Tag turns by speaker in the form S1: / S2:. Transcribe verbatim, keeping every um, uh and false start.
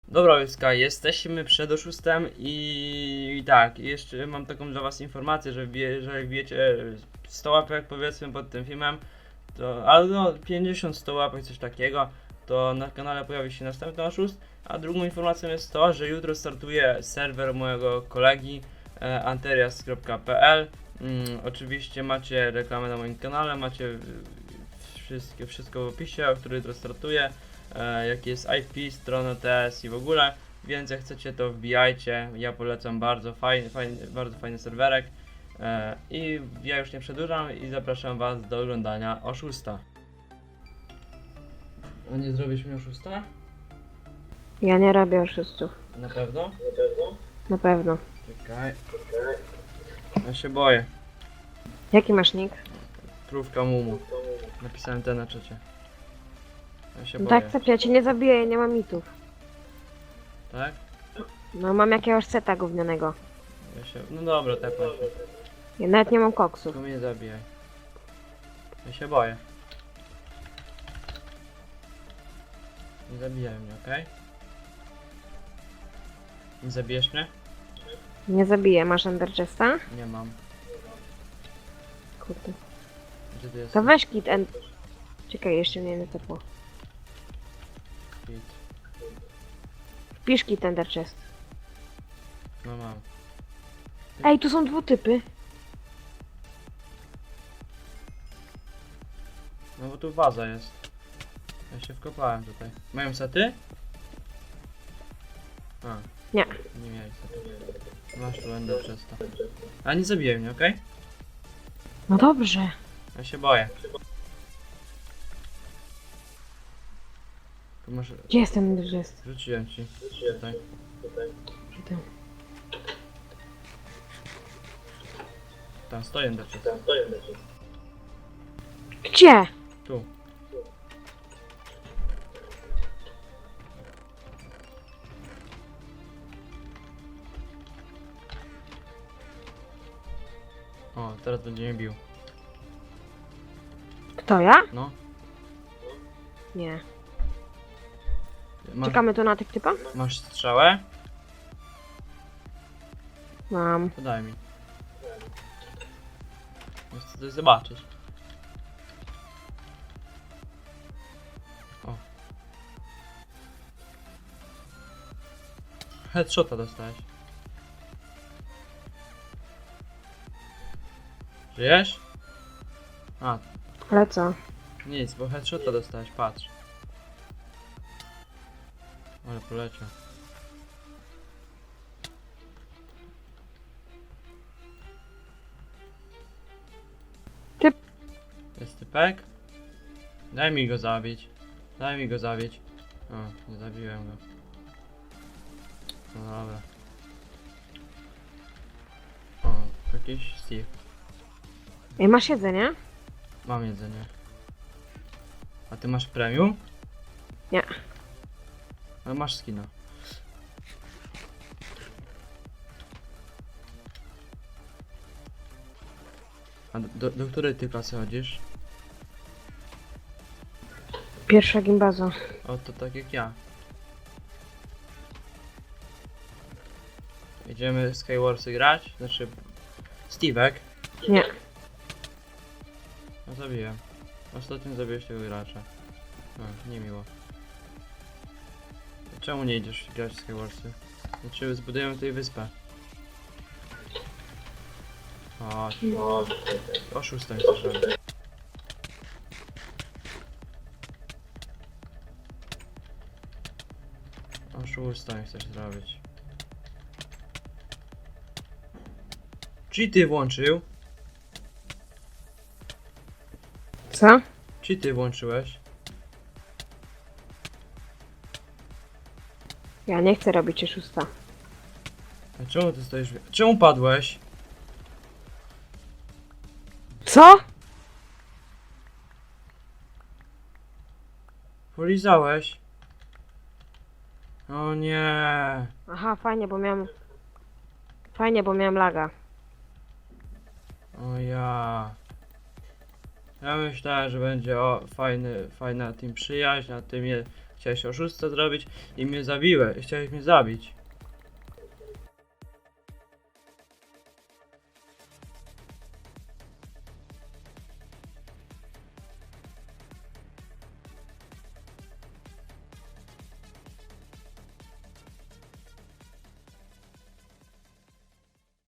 S1: Dobra, Łyska, jesteśmy przed oszustem i, i tak, jeszcze mam taką dla was informację, że, wie, że jak wiecie sto łapek powiedzmy pod tym filmem, to, ale no pięćdziesiąt sto łapek, coś takiego, to na kanale pojawi się następny oszust, a drugą informacją jest to, że jutro startuje serwer mojego kolegi e, anterias kropka p l. Mm, oczywiście macie reklamę na moim kanale, macie y, wszystkie, wszystko w opisie, który jutro startuje. E, jaki jest I P, stronę T S i w ogóle, więc jak chcecie to wbijajcie, ja polecam, bardzo fajny, fajny, bardzo fajny serwerek e, i ja już nie przedłużam i zapraszam was do oglądania oszusta. A nie zrobisz mi oszusta?
S2: Ja nie robię oszustów.
S1: Na pewno?
S2: Na pewno.
S1: Czekaj. Ja się boję.
S2: Jaki masz nick?
S1: Krówka Mumu. Napisałem te na czacie. Ja się
S2: No
S1: boję.
S2: tak, co ja cię nie zabiję, ja nie mam mitów.
S1: Tak?
S2: No mam jakiegoś seta gównianego.
S1: Ja się... No dobra, tepaj się.
S2: Ja nawet nie mam koksów.
S1: Tylko mnie nie zabijaj. Ja się boję. Nie zabijaj mnie, okej? Nie zabijesz mnie?
S2: Nie zabiję, masz Ender Chesta?
S1: Nie mam.
S2: Kurde.
S1: Gdzie ty jesteś?
S2: To weź kit end... Czekaj, jeszcze mnie nie tepło.
S1: Kit.
S2: Wpisz kit Ender Chest.
S1: No mam.
S2: Ej, tu są dwutypy.
S1: No bo tu waza jest. Ja się wkopałem tutaj. Mają sety? A.
S2: Nie.
S1: Nie mieli sety. Masz tu ender przez to. A nie zabijaj mnie, okej?
S2: No dobrze.
S1: Ja się boję. Tu masz...
S2: Gdzie jest ten Ender Chest?
S1: Rzuciłem ci. Tutaj.
S2: Gdzie tam?
S1: Tam stoi ender chest.
S2: Gdzie?
S1: Tu. O, teraz będzie mnie bił.
S2: Kto, ja?
S1: No.
S2: Nie.
S1: Masz,
S2: Czekamy tu na tych typa?
S1: masz strzałę?
S2: Mam.
S1: To daj mi. Chcę coś zobaczyć. O. Headshota dostałeś. Żyjesz? A,
S2: Ale co?
S1: nic, bo headshota dostałeś, patrz. Ale poleciał.
S2: Typ.
S1: Jest typek? Daj mi go zabić. Daj mi go zabić. O, nie zabiłem go. No dobra. O, jakiś Steve.
S2: Ej, masz jedzenie?
S1: Mam jedzenie. A ty masz premium?
S2: Nie.
S1: Ale masz skina. A do, do, do której ty klasy chodzisz?
S2: Pierwsza gimbaza.
S1: O, to tak jak ja. Idziemy Skywarsy grać? Znaczy... Steve'ek?
S2: Nie.
S1: No zabiłem. Ostatnio zabiłeś tego gracza. No, niemiło. Czemu nie idziesz grać w Skywarsy? Znaczy zbudujemy tutaj wyspę. Chodź. Oszustem chcesz robić. Oszustem chcesz zrobić. Cheaty włączył?
S2: Co?
S1: Cheaty włączyłeś?
S2: Ja nie chcę robić oszusta.
S1: A czemu ty stoisz? w- Czemu padłeś?
S2: Co?
S1: Polizałeś? O nie.
S2: Aha, fajnie, bo miałem... Fajnie, bo miałem laga.
S1: O ja. Ja myślałem, że będzie o fajny, fajna team przyjaźń, a ty mnie Chciałeś oszusta zrobić i mnie zabiłeś, chciałeś mnie zabić.